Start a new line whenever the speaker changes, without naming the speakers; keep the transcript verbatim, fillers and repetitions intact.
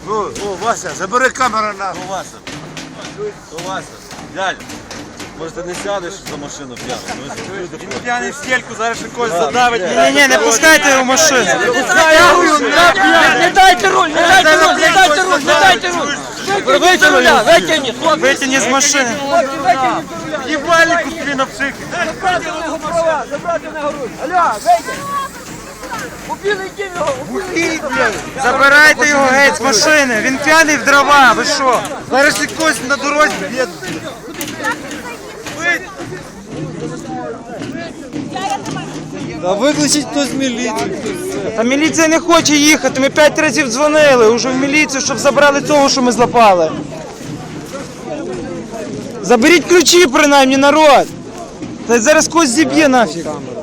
О, о, Вася, забери камеру на.
О, Вася. О, Вася. Дядь, може ти не сядеш за машину п'яний?
Він п'яний в стельку, зараз ще когось задавить.
Ні-ні, не пускайте його в машину.
Не дайте руль, не дайте руль, не дайте руль, не дайте руль. Витягніть руля, витягніть, хлопці.
Витягніть з машини.
Єбальнику тобі на психі.
Забрати в нього права, забрати в нього руль. Аля, вийди. Убили йди його, убили.
Забирайте його геть з машини. Він п'яний в дрова, ви що?
Зараз ще когось на дорозі б'є.
Та викличіть хтось міліцію.
Та міліція не хоче їхати. Ми п'ять разів дзвонили вже в міліцію, щоб забрали цього, що ми злапали. Заберіть ключі принаймні, народ. Та зараз когось зіб'є нафіг.